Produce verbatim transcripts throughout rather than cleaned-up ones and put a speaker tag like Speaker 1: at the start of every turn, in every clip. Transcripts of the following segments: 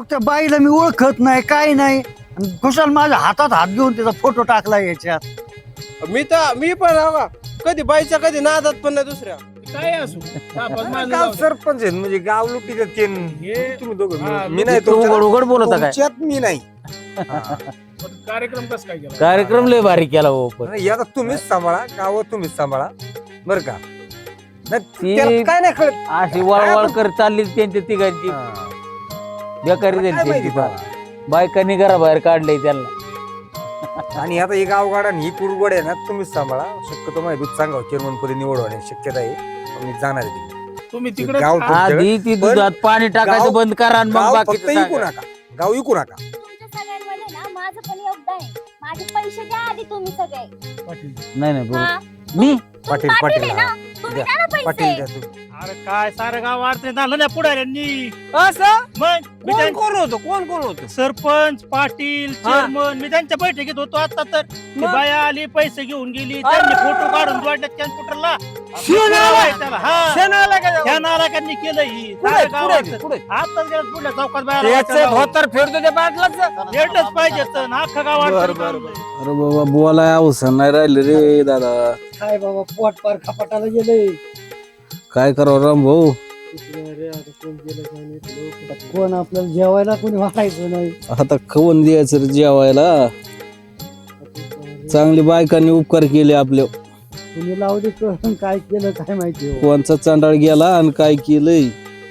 Speaker 1: त्या बाईला मी ओळखत नाही काय नाही कुशाल माझ्या हातात हात घेऊन त्याचा फोटो टाकला याच्यात.
Speaker 2: मी तर मी पण हो का कधी बाईच्या कधी नादात पण नाही दुसऱ्या.
Speaker 3: काय असू तापास माणूस
Speaker 4: गाव
Speaker 3: जाऊ दे.
Speaker 4: सरपंच आहेत म्हणजे गाव लुटीत तीन
Speaker 3: हे-
Speaker 4: तुम्ही दोघं
Speaker 3: हा,
Speaker 4: मिळून. मी नाही
Speaker 5: तू उघड उघड बोलत काय
Speaker 4: तुमच्यात मी नाही
Speaker 3: पण कार्यक्रम कस काय केला
Speaker 5: कार्यक्रम लय भारी केला हो पण
Speaker 4: नाही, आता तुम्हीच सांभाळा गाव तुम्हीच सांभाळा बर का नाही,
Speaker 5: ती-
Speaker 4: त्याला काय नाही कळत
Speaker 5: अशी वळवळ कर चालली त्यांच्या तिघांची
Speaker 4: हा.
Speaker 5: बेकारी
Speaker 4: काय
Speaker 5: झाली
Speaker 4: माहिती
Speaker 5: त्यांची
Speaker 4: बा.
Speaker 5: फार. बायकांनी घराबाहेर काढलंय त्यांना
Speaker 4: आणि आता ही गावगाड आणि ही कुरगोड आहे ना तुम्हीच सांभाळा शक्यतो माहिती दूध सांगा चेअरमन पदी निवड होण्याची शक्यता आहे मी जाणार आहे तिकडे.
Speaker 3: तुम्ही तिकडे
Speaker 4: गाव तुमच्याकडे-
Speaker 5: आधी ती
Speaker 4: पण
Speaker 5: दुधात पाणी टाकायचं
Speaker 4: गाव-
Speaker 5: बंद करा आणि मग
Speaker 4: गाव फक्त
Speaker 5: बाकीचं
Speaker 4: विकू
Speaker 5: सांगा.
Speaker 4: नका गाव विकू नका
Speaker 6: तुमच्या सगळ्यांमध्ये ना माझं पण योगदान आहे. माझे पैसे द्या आधी तुम्ही सगळे.
Speaker 5: नाही नाही
Speaker 6: हा?
Speaker 5: बरोबर मी
Speaker 6: तुम्ही
Speaker 4: पाटील,
Speaker 6: पाटील
Speaker 4: पाटील,
Speaker 6: आहे ना?
Speaker 4: हा.
Speaker 6: तुम्ही
Speaker 4: द्या.
Speaker 6: द्या ना
Speaker 4: पाटील
Speaker 6: पैसे.
Speaker 4: द्या तुम्ही.
Speaker 7: अरे काय सारं गाव अडचणीत आलं ना पुढाऱ्यांनी.
Speaker 3: असं
Speaker 7: मग मी
Speaker 3: कोण
Speaker 7: त्यां-
Speaker 3: कोण होतो कोण कोण होतो
Speaker 7: सरपंच पाटील चेअरमन मी त्यांच्या बैठकीत होतो आता तर ती
Speaker 3: मग?
Speaker 7: बाया आली पैसे घेऊन गेली त्यांनी फोटो काढून जोडल्यात कॅम्प्युटरला
Speaker 3: शिवून आलाय?
Speaker 7: हा
Speaker 3: शेण आला का
Speaker 7: त्या नालायकांनी केलं ही
Speaker 3: पुढे
Speaker 7: सारं गाव
Speaker 3: पुढे
Speaker 7: अडचण.
Speaker 3: पुढे
Speaker 7: आताच गेलं पुढल्या चौकात
Speaker 3: त्याचं
Speaker 7: बाहेर
Speaker 3: धोतर फेडतो त्या बाटलाच
Speaker 7: भेटच पाहिजे तर अख्खा गाव
Speaker 3: बर,
Speaker 7: अडचणीत
Speaker 3: बर,
Speaker 7: आणलंय.
Speaker 3: बर.
Speaker 8: अरे बाबा बोलाय अवसर नाही राहिले रे दादा.
Speaker 1: काय बाबा पोट पार खपाटाला गेलंय.
Speaker 8: काय करावं राम भाऊ.
Speaker 1: कोण आपल्याला जेवायला कोणी वाटायचं नाही.
Speaker 8: आता खवून द्यायचं रे जेवायला. चांगली बायकांनी उपकार केले आपले.
Speaker 1: तुम्ही लावली करून काय केलं काय माहिती हो.
Speaker 8: कोणचा चांडाळ गेला आणि काय केलंय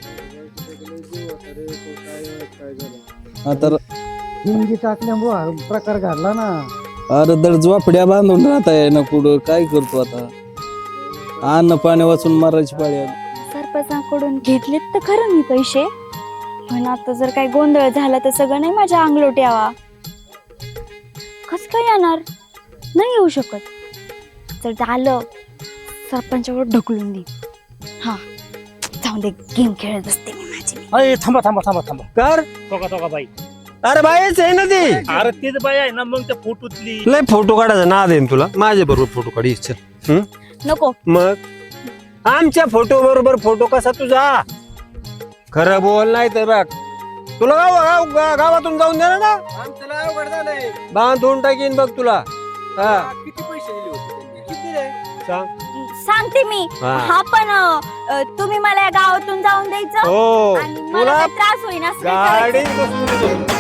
Speaker 8: आता.
Speaker 1: हिंगी टाकल्यामुळे हा प्रकार घडला ना.
Speaker 8: अरे दर झोपड्या बांधून राहता आहे ना पुढं काय करतो आता. अन्न पाणी वाचून मारायची पाळी आली.
Speaker 6: सरपंचाकडून घेतलेत तर खरं मी पैसे, पण आता जर काही गोंधळ झाला तर सगळं नाही माझ्या अंगलोट यावा. कस काय येणार? नाही येऊ शकत. जर झालं सरपंचावर ढकलून दे. हा जाऊन दे, गेम खेळत असते मी माझी मी.
Speaker 7: अरे थांबा थांबा थांबा थांबा
Speaker 3: कर
Speaker 7: बघा बघा बाई.
Speaker 3: अरे बाईच आहे ना ती
Speaker 7: अरे तीच बाई आहे ना मग त्या फोटोतली.
Speaker 3: लय फोटो काढायचा नाद आहे ना तुला माझ्या बरोबर फोटो काढी चल
Speaker 6: नको.
Speaker 3: मग आमच्या फोटो बरोबर फोटो कसा तुझा खरं बोल नाही तर बघ तुला गाव गाव- गा- गावातून जाऊन देणार ना
Speaker 2: आमचं लय अवघड झालंय.
Speaker 3: बांधून टाकीन बघ तुला हा
Speaker 2: किती पैसे दिले होते त्यांनी? किती रे?
Speaker 3: सांग
Speaker 6: सांगते मी.
Speaker 3: हा.
Speaker 6: हा पण अ, तुम्ही मला या गावातून जाऊन द्यायचं
Speaker 3: हो
Speaker 6: आणि मला
Speaker 3: तुला
Speaker 6: काही त्रास होईना असं नाही करायचं.
Speaker 3: गाडी बसून